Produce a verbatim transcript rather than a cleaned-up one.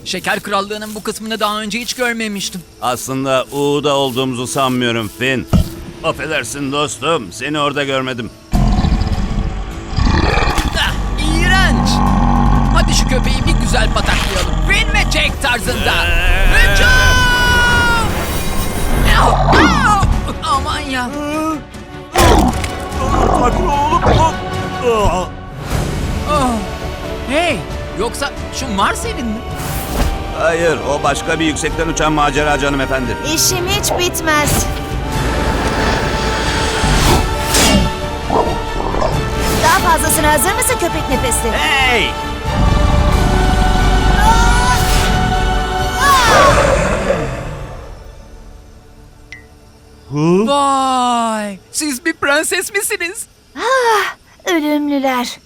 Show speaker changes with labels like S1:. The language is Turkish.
S1: Şeker Krallığı'nın bu kısmını daha önce hiç görmemiştim.
S2: Aslında U'da olduğumuzu sanmıyorum Finn. Affedersin dostum, seni orada görmedim.
S1: Ah, iğrenç. Hadi şu köpeği bir güzel pataklayalım. Finn ve Jake tarzında. Hücum! Au, au! Aman ya.
S2: Sakin oğlum.
S1: Oh. Hey, yoksa şu Marcel'in mi?
S2: Hayır, o başka bir yüksekten uçan maceracı hanımefendi.
S3: İşim hiç bitmez. Daha fazlasına hazır mısın köpek nefesli?
S2: Hey!
S1: Vay, siz bir prenses misiniz?
S3: Ölümlüler.